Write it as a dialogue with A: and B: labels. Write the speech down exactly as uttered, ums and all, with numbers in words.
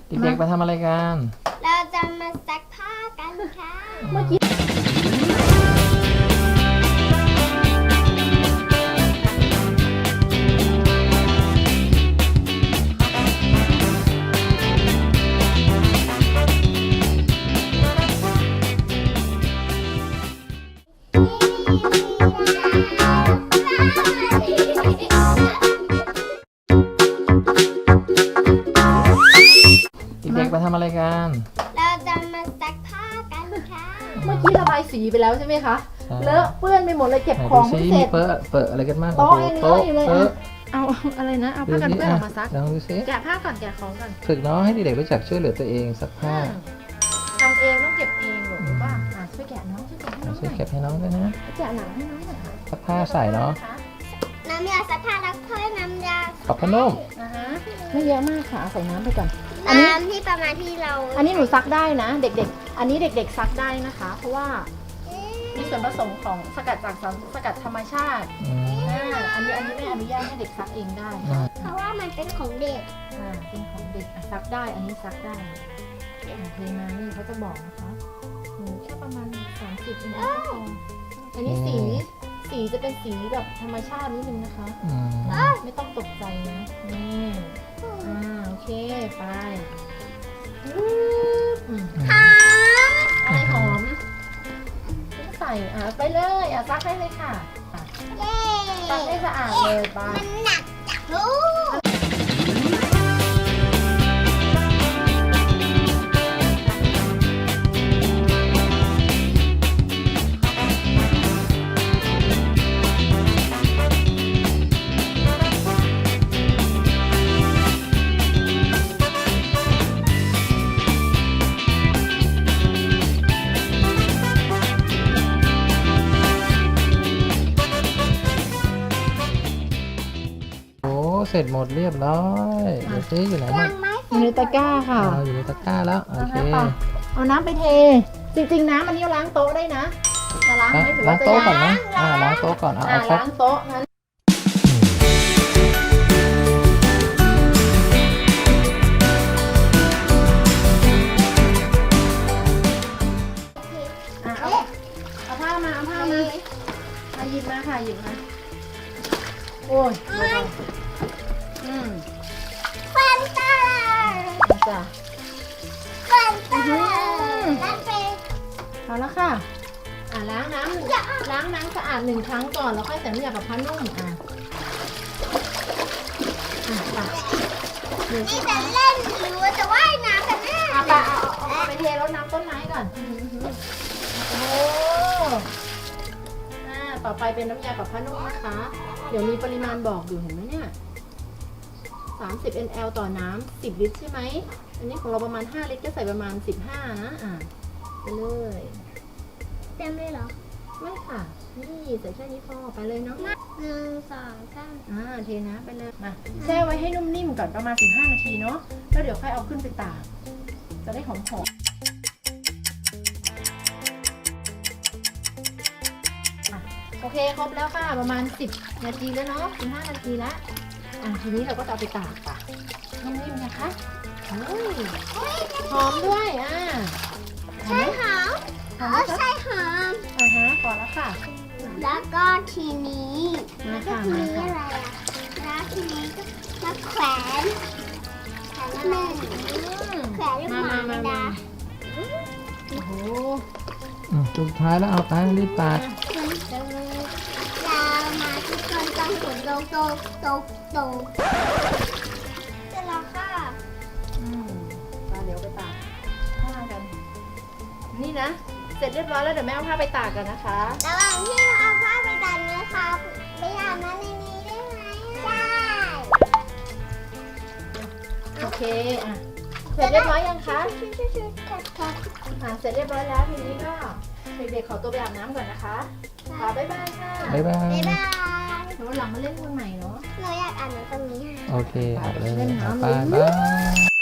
A: เด็กๆมาทำอะไรกัน
B: เราจะมาซักผ้ากันค่ะ
C: เมื่อกี้
A: เด็กๆมาทำอะไรกัน
B: เราจะมาซักผ้ากันค่ะ
C: เมื่อกี้ระบายสีไปแล้วใช่ไหมคะ
A: ใช่
C: เลอะเปื้อนไปหมดเลยเก็บ
A: ไหน
C: ข
A: ดู
C: อง
A: ซิ
C: ไม่เส
A: มี
C: ร็จ
A: เปอะเปอะอะไรกันบ้าง
C: โต๊ะ
A: โอ้โห
C: ยังเล
A: โต๊ะ
C: อะอยู่เลย
A: เปอะ
C: เอาเอาอะไรนะเอา
A: ดู
C: ผ้ากัน
A: สิ
C: เปื้อนออกมาซัก
A: ลองดูซิ
C: แกะผ้าก่อนแกะของก่อน
A: ฝึกน้องให้เด็กๆรู้จักช่วยเหลือตัวเองซักผ้า
C: อืมทำเองต้องเก็บเองหรอรู้ป่ะอ่ะช่วยแกะน้องช่วยแกะให้น้องห
A: ช่วย
C: น่อย
A: เก็บให้น้องด้วยนะ
C: แกะหนังให้น้องหน่อยค่ะ
A: ซักผ้าใส่เนาะ
B: น้ำยาซักผ้าแล้วค่อยน้ำยา
A: ปรับผ้านุ่ม
C: อ่าฮะไม่เยอะมากค่ะเอาใส่น้ำไปก่อน อันนี้
B: น้ำที่ประมาณที่เรา
C: อันนี้หนูซักได้นะ เด็กๆ อันนี้เด็กๆซักได้นะคะ เพราะว่ามีส่วนผสมของสกัดจากสารสกัดธรรมชาติ
A: อืม
C: อ่าอันนี้อันนี้ไม่อนุญาตให้เด็กซักเองได้
A: อืม
B: เพราะว่ามันเป็นของเด็ก
C: อ่าเป็นของเด็กอ่ะซักได้ อันนี้ซักได้อ่าเทมานี่เขาจะบอกนะคะหนูแค่ประมาณสามสิบเองก็พออันนี้สีสีจะเป็นสีแบบธรรมชาตินิดนึงนะคะ
A: อืม
C: ไม่ต้องตกใจนะนี่อ่าโอเคไปปึ๊บอืม
B: หอม
C: อะไรหอมใส่อ่ะไปเลยอ่ะซักได้เลยค่ะอ่ะ
B: เย้
C: ซักให้สะอาดเลยไป
B: มันหนักจังลูก
A: โอ้เสร็จหมดเรียบร้อยเดี๋ยวซิอยู่ไหนบ้าง
B: ไม่
C: อยู่ในตะกร้าค่ะ
A: เอาอยู่ในตะกร้าแล้วโอเค
C: เอาน้ำไปเอาน้ำไปเท จริงๆน้ำอันนี้ล้างโต๊ะได้นะจะล้างไหมหรือ
A: ล้า
C: ว่าง จะ
A: โต๊ะก่อน
C: ล้า
A: นะ
C: ง
A: อ่าล้างโต๊ะก่อนเอา
C: อ่ะ
A: เอาครับ
C: ล้างโต๊ะงั้นอ่ะเอาเอาผ้ามาเอาผ้ามามาหยิบมาค่ะหยิบมาโอ้ยเบาๆอืม
B: ฟันตา
C: จ้ะ
B: ฟันตา
C: อื้อหือ
B: นั่นเป็น
C: เอาละค่ะ อ่ะล้างน้ำล้างน้ำสะอาดหนึ่งครั้งก่อนแล้วค่อยใส่น้ำยาปรับผ้านุ่มอ่ะอ่ะไปเดี๋ยว
B: นี่จะเล่นหรือว่าจะว่ายน้ำกันแน่
C: เอาไปเอาเอาเอาไปเทรดน้ำต้นไม้ก่อนโอ้อ่าต่อไปเป็นน้ำยาปรับผ้านุ่มนะคะ เดี๋ยวมีปริมาณบอกอยู่เห็นไหมเนี่ยสามสิบมิลลิลิตร ต่อน้ำสิบลิตรใช่ไหม อันนี้ของเราประมาณห้าลิตรก็ใส่ประมาณสิบห้านะอ่ะไปเลย
B: เต็มเลยเหรอ
C: ไม่ค่ะ นี่ใส่แค่นี้พอไปเลยเนาะ
B: หนึ่งสองสาม
C: อ่าเทน้ำไปเลย มาแช่ไว้ให้นุ่มนิ่มก่อนประมาณสิบห้านาทีเนาะ แล้วเดี๋ยวค่อยเอาขึ้นไปตาก จะได้หอมหอมอ่ะโอเคครบแล้วค่ะประมาณสิบนาทีแล้วเนาะสิบห้านาทีแล้วอ่ะทีนี้เราก็จะเอาไปตากค่ะนุ่มนิ่มนะคะโอ้ยหอมด้วยอ่ะหอ
B: ใช่
C: มไหม
B: หอม
C: หอม
B: เอ
C: ไหม
B: อ
C: คะ
B: ใช่หอม
C: อ่าฮะพอแล้วค่ะ
B: แล้วก็ทีนี้
C: มา
B: แล้วก็
C: ค่ะ
B: ที
C: มา
B: นี้
C: ค่ะ
B: อะไรอ่ะแล้วทีนี้ก็มาแขวนแขวนหนึ่งแขวนลูกหมาไม่ได้
C: โอ้โห
A: อืมสุดท้ายแล้วเอาไปรีบตัด
B: เรามาทุกคนต้องฝนโตโตโตโตเสร็จแล้วค่ะ
C: อืมตาเดี๋ยวไปตากผ้ากัน นี่นะ เสร็จเรียบร้อยแล้วเดี๋ยวแม่เอาผ้าไปตากกันนะคะ
B: ระหว่างที่เราเอาผ้าไปดันเนื้อค่ะไปอาบน้ำในนี้ได้ไหมได้
C: โอเค อ่ะ เสร็จเรียบร้อยยังคะ
B: ชุดๆๆค่ะ
C: อ่ะ เสร็จเรียบร้อยแล้วทีนี้ก็เด็กๆขอตัวไปอาบน้ำก่อนนะคะค่ะบ๊ายบายค่ะ
A: บ๊ายบาย
B: บ๊ายบาย
C: เดี๋ยววันหลังมาเล่นตรงไหนเนาะ
B: หนูอยากอ่านหนังตรงนี้
A: โอเคเอาเลย
C: เล่นน้ำ
A: เอาไปบาย